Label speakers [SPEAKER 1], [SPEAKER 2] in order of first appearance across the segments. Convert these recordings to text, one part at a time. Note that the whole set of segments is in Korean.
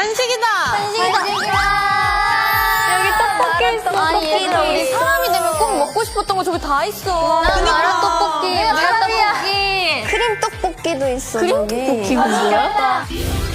[SPEAKER 1] 간식이다.
[SPEAKER 2] 여기 떡볶이 있어.
[SPEAKER 1] 아니 얘들아 우리 사람이 되면 꼭 먹고 싶었던 거 저기 다 있어.
[SPEAKER 2] 마라 떡볶이.
[SPEAKER 3] 크림 떡볶이도 있어.
[SPEAKER 1] 크림
[SPEAKER 3] 저기.
[SPEAKER 1] 떡볶이가 뭐야?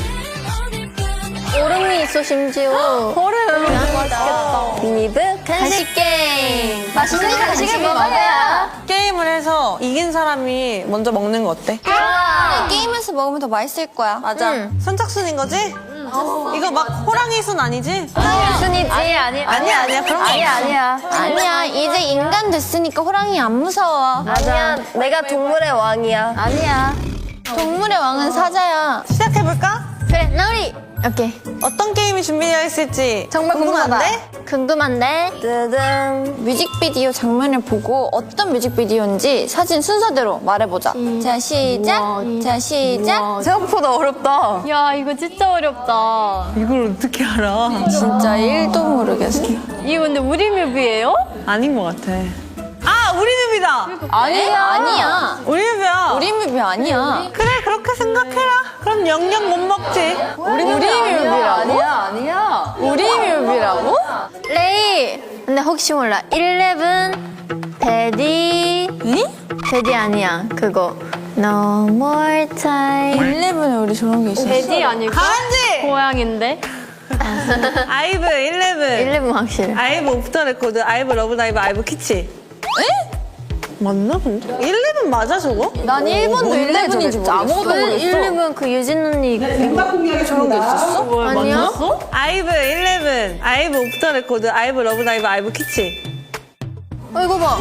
[SPEAKER 2] 얼음이 있어 심지어.
[SPEAKER 1] 얼음.
[SPEAKER 2] 맛있겠다.
[SPEAKER 3] 미브
[SPEAKER 2] 간식 게임. 맛있는 간식을 먹어야.
[SPEAKER 1] 게임을 해서 이긴 사람이 먼저 먹는 거 어때?
[SPEAKER 3] 게임에서 먹으면 더 맛있을 거야.
[SPEAKER 1] 맞아. 선착순인 거지? 이거 막 호랑이 순 아니지?
[SPEAKER 3] 순이지.
[SPEAKER 1] 아니야. 그런 거
[SPEAKER 2] 아니야.
[SPEAKER 3] 아니야. 이제 인간 됐으니까 호랑이 안 무서워. 아니야. 내가 동물의 왕이야.
[SPEAKER 2] 아니야.
[SPEAKER 3] 동물의 왕은 사자야.
[SPEAKER 1] 시작해볼까?
[SPEAKER 2] 그래 나우리. 오케이.
[SPEAKER 1] 어떤 게임이 준비되어 있을지
[SPEAKER 3] 정말
[SPEAKER 1] 궁금한데?
[SPEAKER 2] 궁금한데.
[SPEAKER 3] 뜨든 뮤직비디오 장면을 보고 어떤 뮤직비디오인지 사진 순서대로 말해보자. 자 시작. 자 시작.
[SPEAKER 1] 생각보다 어렵다.
[SPEAKER 2] 야 이거 진짜 어렵다.
[SPEAKER 1] 이걸 어떻게 알아?
[SPEAKER 3] 진짜 1도 모르겠어.
[SPEAKER 2] 이거 근데 우리 뮤비예요?
[SPEAKER 1] 아닌 것 같아. 아, 우리 뮤비다.
[SPEAKER 3] 아니야.
[SPEAKER 1] 우리 뮤비야.
[SPEAKER 3] 우리 뮤비 아니야.
[SPEAKER 1] 그래, 그렇게 생각해라. 그럼 영영 못 먹지.
[SPEAKER 3] 우리 뮤비라고?
[SPEAKER 2] 아니야.
[SPEAKER 3] 우리 뮤비라고?
[SPEAKER 2] 레이. 근데 혹시 몰라. 11 베디. 베디 아니야. 그거. No more time.
[SPEAKER 3] 11에 우리 저런 게 있었어.
[SPEAKER 2] 베디 아니고
[SPEAKER 1] 강아지!
[SPEAKER 2] 고양인데.
[SPEAKER 1] 아이브 11.
[SPEAKER 2] 11 확실.
[SPEAKER 1] 아이브 오프터 레코드, 아이브 러브다이브, 아이브 키치. 맞나 근데? 11 맞아 저거?
[SPEAKER 3] 난 1번도 11인지 모르겠어. 아무것도 모르겠어.
[SPEAKER 2] 11은 그 유진 언니.
[SPEAKER 1] 저런 게 있었어?
[SPEAKER 2] 아니야?
[SPEAKER 1] 아이브 11, 아이브 오프터 레코드, 아이브 러브다이브, 아이브 키치.
[SPEAKER 3] 이거 봐.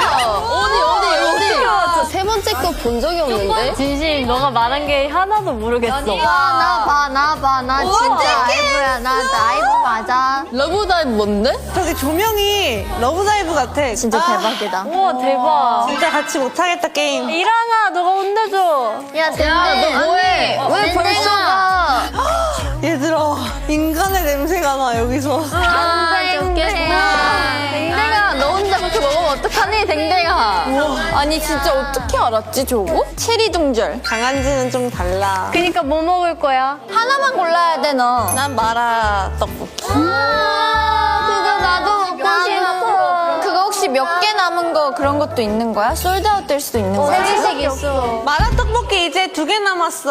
[SPEAKER 3] 어디? 세 번째 거 본 적이 없는데?
[SPEAKER 2] 진심 너가 말한 게 하나도 모르겠어. 나 봐. 나 진짜 아이브야. 나 아이브 맞아.
[SPEAKER 3] 러브다이브 뭔데?
[SPEAKER 1] 저기 조명이 러브다이브 같아.
[SPEAKER 3] 진짜 대박이다.
[SPEAKER 2] 우와 대박.
[SPEAKER 1] 진짜 같이 못하겠다 게임.
[SPEAKER 2] 일하나 너가 혼내줘. 야
[SPEAKER 3] 너 뭐해? 왜 벌써 가?
[SPEAKER 1] 얘들아 인간의 냄새가 나 여기서.
[SPEAKER 3] 댕댕아, 너 혼자 그렇게 먹으면 어떡하니, 댕댕아? 아니, 진짜 어떻게 알았지, 저거? 체리 동절.
[SPEAKER 1] 강아지는 좀 달라.
[SPEAKER 2] 그니까 뭐 먹을 거야?
[SPEAKER 3] 하나만 골라야 돼, 너.
[SPEAKER 1] 난 마라 떡볶이.
[SPEAKER 3] 그거 나도 먹고 싶어. 그거 혹시 몇 개 남은 거 그런 것도 있는 거야? 솔드아웃 될 수도 있는 거야?
[SPEAKER 2] 세 개씩 있어.
[SPEAKER 1] 마라 떡볶이 이제 2개 남았어.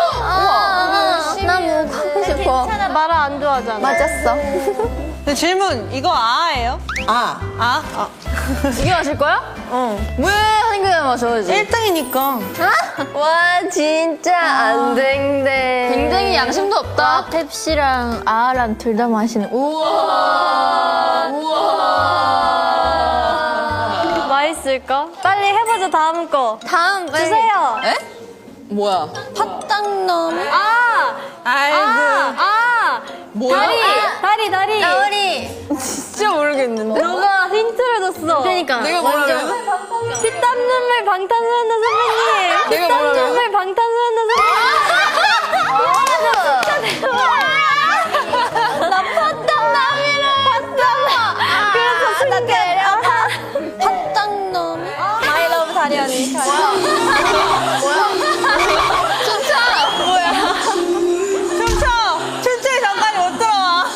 [SPEAKER 3] 나 먹고 싶어.
[SPEAKER 2] 마라 안 좋아하잖아.
[SPEAKER 3] 맞았어.
[SPEAKER 1] 근데 질문 이거 아예요? 아.
[SPEAKER 2] 이게 마실 거야?
[SPEAKER 3] 왜 한 개나 마셔야지?
[SPEAKER 1] 1등이니까.
[SPEAKER 3] 와, 진짜 안 댕댕. 댕댕이 양심도 없다.
[SPEAKER 2] 펩시랑 아랑 둘 다 마시는.
[SPEAKER 3] 우와.
[SPEAKER 2] 맛있을까? 빨리 해보자 다음 거.
[SPEAKER 3] 다음
[SPEAKER 2] 주세요.
[SPEAKER 3] 에? 뭐야? 팥당놈.
[SPEAKER 1] 아이고.
[SPEAKER 3] 뭐야?
[SPEAKER 2] 다리.
[SPEAKER 3] 나우리. 진짜 모르겠는데?
[SPEAKER 2] 너가 힌트를 줬어. 그러니까.
[SPEAKER 3] 내가 뭐라 그랬어?
[SPEAKER 2] 피땀 눈물 방탄소년단 선배님.
[SPEAKER 3] 내가
[SPEAKER 2] 피땀
[SPEAKER 3] 뭐라 그랬어?
[SPEAKER 2] 눈물 방탄소년단 선배님.
[SPEAKER 3] 나 팥당남이래. 팥당남.
[SPEAKER 2] 그래서 순간.
[SPEAKER 3] 팥당놈. I love 다리 언니. 뭐야?
[SPEAKER 1] 춤춰. 춤추기 전까지 못 들어와.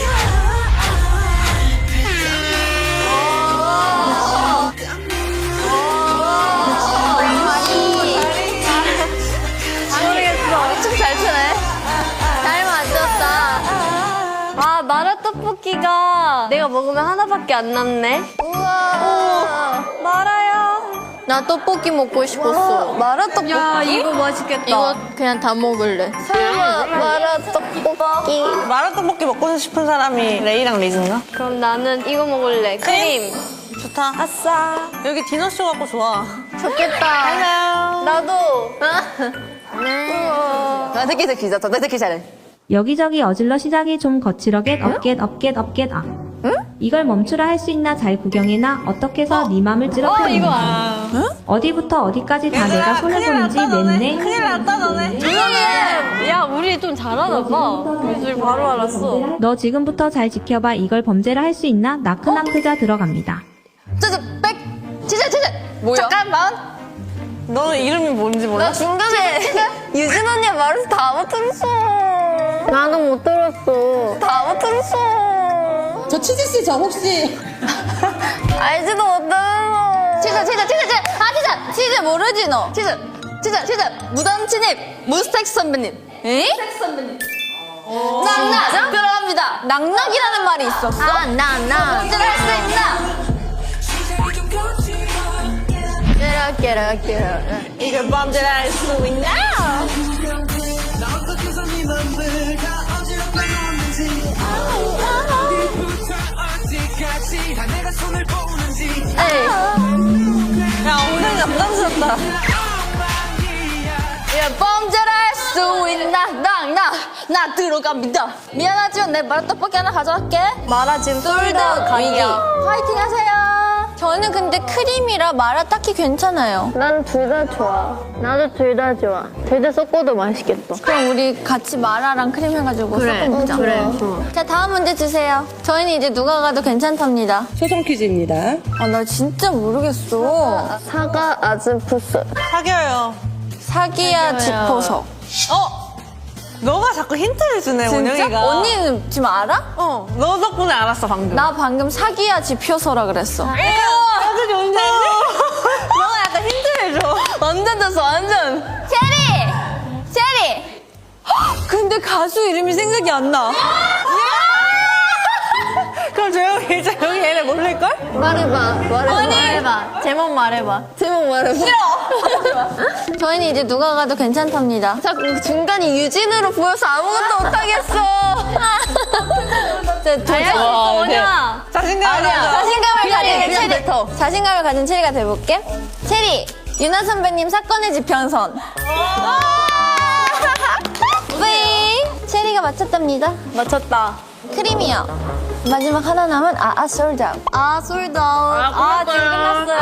[SPEAKER 3] 춤잘 추네. 잘 맞췄다.
[SPEAKER 2] 아 마라 떡볶이가 내가 먹으면 하나밖에 안 남네.
[SPEAKER 3] 우와.
[SPEAKER 2] 마라야.
[SPEAKER 3] 나 떡볶이 먹고 싶었어. 마라 떡볶이?
[SPEAKER 2] 야 이거 맛있겠다.
[SPEAKER 3] 이거 그냥 다 먹을래. 설마 마라 떡볶이.
[SPEAKER 1] 마라 떡볶이 먹고 싶은 사람이 레이랑 리즈인가?
[SPEAKER 2] 그럼 나는 이거 먹을래. 크림.
[SPEAKER 1] 좋다. 아싸. 여기 디너쇼 갖고 좋아.
[SPEAKER 3] 좋겠다.
[SPEAKER 1] 헬로.
[SPEAKER 2] 나도.
[SPEAKER 3] 나 되게 기자다. 나 되게 잘해.
[SPEAKER 4] 여기저기 어질러 시작이 좀 거칠어겟 업겟 아. 이걸 멈추라 할 수 있나 잘 구경해나 어떻게 해서 네 맘을 찌르켰나 어디부터 어디까지 다 내가 손을 보는지 냈네.
[SPEAKER 1] 큰일 났다 너네.
[SPEAKER 2] 야 우리 좀 잘하나 봐. 줄 바로 알았어.
[SPEAKER 4] 너 지금부터 잘 지켜봐. 이걸 범죄라 할 수 있나 나크나크자 들어갑니다.
[SPEAKER 3] 백. 진짜. 뭐야? 잠깐만.
[SPEAKER 1] 너는 이름이 뭔지 몰라?
[SPEAKER 3] 나 중간에 유진 언니가 말해서 다 못 들었어.
[SPEAKER 2] 나도 못 들었어.
[SPEAKER 3] 다 못 들었어.
[SPEAKER 1] 저 치즈씨 저 혹시
[SPEAKER 3] 알지도 못하는 치즈. 치즈 모르지 너. 치즈. 무단 침입. 무스텍 선배님. 에? 무스텍 선배님. 낙낙 들어갑니다. 낙낙이라는 말이 있었어.
[SPEAKER 2] 나.
[SPEAKER 3] 문제를 할 수 있나?
[SPEAKER 1] 이걸 맘대로 할 수 있나? 야 엉덩이가 부담스럽다.
[SPEAKER 3] 범죄를 할 수 있나? 나 들어갑니다. 미안하지만 내 마라떡볶이 하나 가져갈게.
[SPEAKER 2] 마라 지금
[SPEAKER 3] 솔드 위기. 파이팅 하세요. 저는 근데 크림이라 마라 딱히 괜찮아요.
[SPEAKER 2] 난 둘 다 좋아. 나도 둘 다 좋아. 둘 다 섞어도 맛있겠다.
[SPEAKER 3] 그럼 우리 같이 마라랑 크림 해가지고 섞어 먹자.
[SPEAKER 2] 그래.
[SPEAKER 3] 자, 다음 문제 주세요. 저희는 이제 누가 가도 괜찮답니다.
[SPEAKER 5] 소정 퀴즈입니다.
[SPEAKER 3] 아, 나 진짜 모르겠어.
[SPEAKER 2] 사과 아즈푸스.
[SPEAKER 1] 사겨요.
[SPEAKER 3] 사기야 지포석.
[SPEAKER 1] 너가 자꾸 힌트를 주네 원영이가.
[SPEAKER 3] 언니는 지금 알아?
[SPEAKER 1] 너 덕분에 알았어 방금.
[SPEAKER 3] 나 방금 사기야 지표서라 그랬어.
[SPEAKER 1] 사그리 언제 했니? 너가 약간 힌트를 줘.
[SPEAKER 3] 완전 졌어, 완전. 체리! 헉, 근데 가수 이름이 생각이 안 나.
[SPEAKER 1] 그럼 조용히 얘네 모를걸?
[SPEAKER 2] 말해봐. 제목 말해봐.
[SPEAKER 3] 싫어! 저희는 이제 누가 가도 괜찮답니다. 자꾸 중간에 유진으로 보여서 아무것도 못하겠어.
[SPEAKER 2] 뭐냐?
[SPEAKER 1] 자신감을 가져.
[SPEAKER 3] 자신감을 가진 체리. 자신감을 가진 체리가 돼볼게. 체리, 유나 선배님 사건의 지평선. 뿌잉! 체리가 맞췄답니다.
[SPEAKER 2] 맞췄다.
[SPEAKER 3] 크림이요. 마지막 하나 남은 솔드아웃. 솔드아웃. 지금 끝났어요.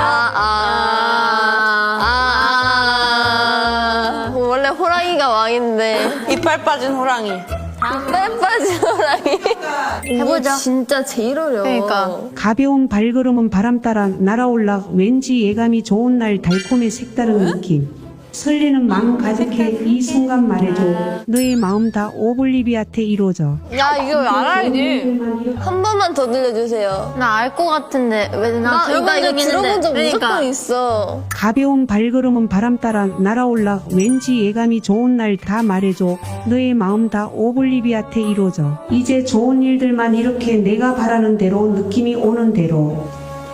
[SPEAKER 2] 원래 호랑이가 왕인데.
[SPEAKER 1] 이빨 빠진 호랑이.
[SPEAKER 3] 이빨 빠진 호랑이. 해보자. 진짜 제일 어려워.
[SPEAKER 2] 그러니까.
[SPEAKER 5] 가벼운 발걸음은 바람 따라 날아올라 왠지 예감이 좋은 날 달콤의 색다른 느낌. 설레는 마음 가득해 이 순간 말해줘. 너의 마음 다 오블리비아테 이루어져.
[SPEAKER 3] 야, 이거 알아야지.
[SPEAKER 2] 한 번만 더 들려주세요. 나 알 것 같은데. 왜 나 들어본 적 있는데. 무조건 있어.
[SPEAKER 5] 가벼운 발걸음은 바람 따라 날아올라 왠지 예감이 좋은 날 다 말해줘. 너의 마음 다 오블리비아테 이루어져. 이제 좋은 일들만 이렇게 내가 바라는 대로 느낌이 오는 대로.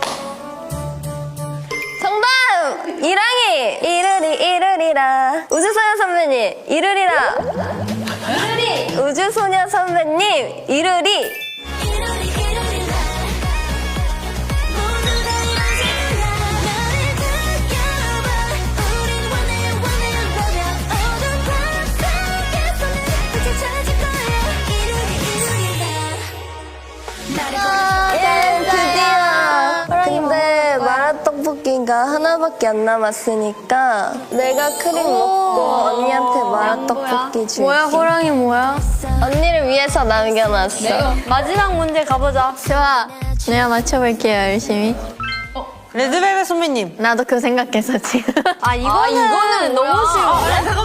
[SPEAKER 2] 정답! 이랑이! 이르리라. 우주소녀 선배님, 이르리라. 우주소녀 선배님, 이르리. 근데 마라떡볶이가 하나밖에 안 남았으니까 내가 크림 먹고 언니한테 마라떡볶이 줄게.
[SPEAKER 3] 뭐야, 호랑이 뭐야?
[SPEAKER 2] 언니를 위해서 남겨놨어.
[SPEAKER 3] 마지막 문제 가보자.
[SPEAKER 2] 좋아. 내가 맞춰볼게요, 열심히.
[SPEAKER 1] 레드벨벳 선배님.
[SPEAKER 2] 나도 그거 생각했어, 지금.
[SPEAKER 3] 이거는 너무 쉬워.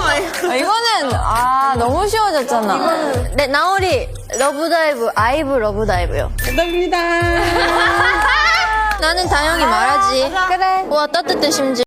[SPEAKER 3] 이거는 너무 쉬워졌잖아.
[SPEAKER 2] 네, 나오리. 러브다이브, 아이브 러브다이브요.
[SPEAKER 5] 정답입니다.
[SPEAKER 3] 나는 당연히 말하지.
[SPEAKER 2] 그래. 와, 따뜻해, 심지어.